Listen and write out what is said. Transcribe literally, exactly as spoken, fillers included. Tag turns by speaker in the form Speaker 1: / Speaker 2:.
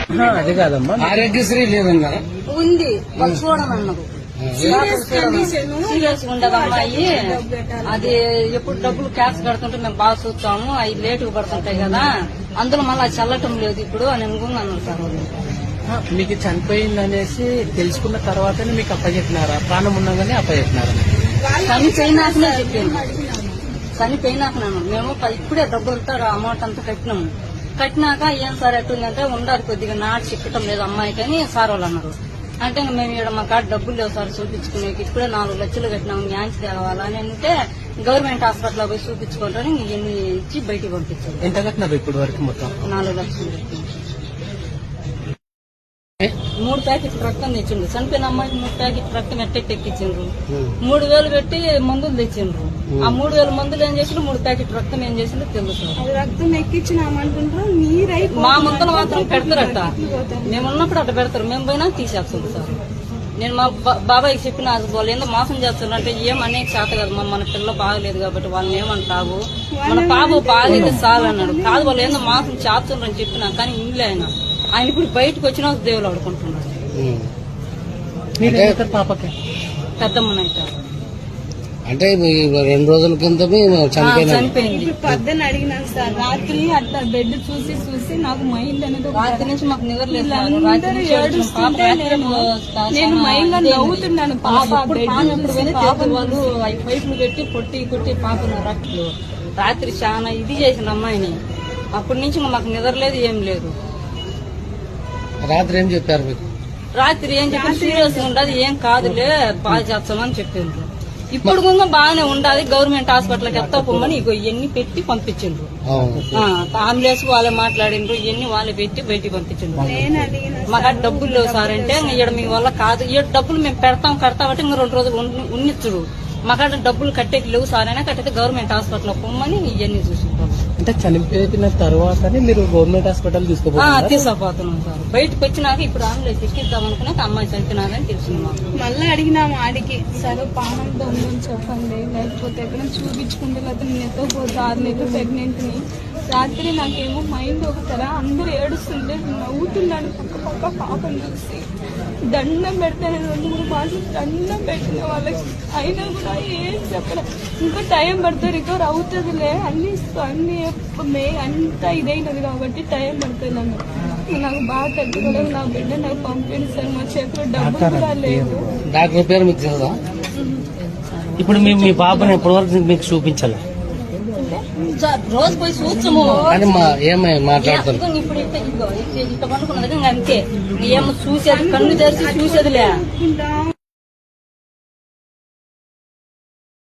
Speaker 1: అది కాదమ్మా,
Speaker 2: ఆరోగ్యశ్రీ లేదన్నారా?
Speaker 3: ఉంది, వాళ్ళు చూడమన్నారు. సీరియస్ ఉండదు అమ్మాయి, అది ఎప్పుడు డబ్బులు క్యాష్ కడుతుంటే మేము బాగా చూస్తాము, అవి లేటుగా పడుతుంటాయి కదా, అందులో మళ్ళీ చల్లటం లేదు ఇప్పుడు అని అనుకున్నాను సార్.
Speaker 1: మీకు చనిపోయింది అనేసి తెలుసుకున్న తర్వాతనే మీకు అప్పచెప్పినారా? ప్రాణం ఉండగానే అప్పచెప్పినారా?
Speaker 3: చనిపోయినాకనే చెప్పాను, చనిపోయినాకన్నాను. మేము ఇప్పుడే డబ్బులతో అమౌంట్ అంతా కట్టినాము. కట్టినాక ఏం సార్ ఎట్టుందంటే ఉండాలి కొద్దిగా నాటు చిక్కటం లేదు అమ్మాయికి అని సార్ వాళ్ళు అన్నారు. అంటే మేము ఇక్కడ మా కాడ డబ్బులు లేవు సార్ చూపించుకునేకి, ఇప్పుడే నాలుగు లక్షలు కట్టినాము, న్యాన్స్ తేవాలని అంటే గవర్నమెంట్ హాస్పిటల్ పోయి చూపించుకుంటారని ఇవన్నీ ఇచ్చి బయటికి పంపించారు.
Speaker 1: ఎంత కట్టినారు ఇప్పుడు వరకు? మొత్తం
Speaker 3: నాలుగు లక్షలు కట్టినాం. మూడు ప్యాకెట్ రక్తం తెచ్చిండ్రు, చనిపోయిన అమ్మాయికి మూడు ప్యాకెట్ రక్తం ఎట్టెట్ ఎక్కించిండ్రు. మూడు వేలు పెట్టి మందులు తెచ్చిండ్రు. ఆ మూడు వేల మందులు ఏం చేసిండ్రు, మూడు ప్యాకెట్ రక్తం ఏం చేసిండ్రో తెలుసు.
Speaker 4: రక్తం ఎక్కించినామంటుండ్రు,
Speaker 3: మా మందులు మాత్రం పెడతారట, మేము ఉన్నప్పుడు అట్ట పెడతారు, మేము పోయినా తీసేస్తుంది సార్. నేను మా బాబాయ్కి చెప్పిన వాళ్ళు ఏందో మోసం చేస్తున్నారు అంటే ఏం అనేక చేత కదా, మన పిల్ల బాగలేదు కాబట్టి వాళ్ళని ఏమంటావు, మన పాప బాగలేదు చాలు అన్నాడు. కాదు వాళ్ళు ఏందో మోసం చేస్తున్నారు అని చెప్పినా కానీ ఇంగ్లీ ఆయన ఆయన ఇప్పుడు బయటకు వచ్చినా దేవులు ఆడుకుంటున్నాడు.
Speaker 1: పాపకి
Speaker 3: పెద్దమ్మనైతే
Speaker 2: అంటే రెండు రోజుల కిందమే
Speaker 3: చనిపోయింది.
Speaker 4: పద్దెని అడిగినాను సార్, రాత్రి అట్లా బెడ్ చూసి చూసి నాకు మైండ్ అనేది
Speaker 3: రాత్రి నుంచి మాకు నిద్ర లేదు.
Speaker 4: నేను మైండ్ లో నవ్వుతున్నాను. పాప
Speaker 3: వాళ్ళు పైపులు పెట్టి కొట్టి కొట్టి పాపను రక్తులు రాత్రి చాలా ఇది చేసిన అమ్మాయిని. అప్పటి నుంచి మాకు నిద్ర లేదు, ఏం లేదు.
Speaker 2: రాత్రి ఏం చెప్పారు మీకు?
Speaker 3: రాత్రి ఏం చెప్పారు, సీరియస్ ఉండదు, ఏం కాదులే బాగా చేస్తామని చెప్పిండ్రు. ఇప్పుడు కూడా బాగానే ఉండాలి, గవర్నమెంట్ హాస్పిటల్కి ఎత్తా పొమ్మని ఇగో ఇవన్నీ పెట్టి పంపించిండ్రు. అంబులెన్స్ వాళ్ళే మాట్లాడిండ్రు, ఇవన్నీ వాళ్ళే పెట్టి బయటికి పంపించిండ్రు. మాకు డబ్బులు లేవు సార్ అంటే ఇక్కడ మీ వల్ల కాదు, ఈ డబ్బులు మేము పెడతాం కడతామంటే ఇంకా రెండు రోజులు ఉన్నిచ్చుడు, మాకాడ డబ్బులు కట్టేకి లేవు సార్ అయినా కట్టితే గవర్నమెంట్ హాస్పిటల్ పొమ్మని ఇవన్నీ చూసింటారు.
Speaker 1: అంటే చనిపోయిన తర్వాతనే మీరు గవర్నమెంట్ హాస్పిటల్ తీసుకుపోతున్నారు?
Speaker 3: తీసుకుపోతున్నాం సార్. బయటకు వచ్చినాక ఇప్పుడు అంబులెన్స్ ఎక్కిద్దాం అనుకున్నాక అమ్మాయి చనిపోయినారని తెలిసింది మాకు.
Speaker 4: మళ్ళీ అడిగినాము ఆడికి, సరే పానం దొంగని చెప్పండి, లేకపోతే ఎక్కడ చూపించుకుంటే లేకపోతే నేను ఎత్తకపోతే ఆరు నెలలు ప్రెగ్నెంట్ ని. రాత్రి నాకేమో మైండ్ ఒకసారి అందరూ ఏడుస్తుంటే నవ్వుతున్నాను పక్క పక్క పాపను చూసి. దండం పెడతాను, రెండు మూడు మాసాలు దండం పెట్టిన వాళ్ళకి, అయినా కూడా ఏం చెప్పలే. ఇంకా టైం పడుతుంది, రికవర్ అవుతుందిలే అన్ని అన్ని మే అంతా ఇదైనది కాబట్టి టైం పడుతుంది నన్ను. నాకు బాగా తగ్గుకోలేదు, నా బిడ్డ నాకు పంపింది సార్, మా చేతిలో డబ్బు కూడా లేదు.
Speaker 2: డాక్టర్ పేరు మీకు తెలుసా?
Speaker 1: ఇప్పుడు మేము మీ బాబుని ఎప్పటి వరకు మీకు చూపించాలి?
Speaker 3: రోజు పోయి చూచము
Speaker 2: ఏమై మాట్లాడతారు
Speaker 3: ఇప్పుడు ఇట్లా పండుకున్నది అంతే, ఏమో చూసేది కన్ను తెరిచి చూసేదిలే.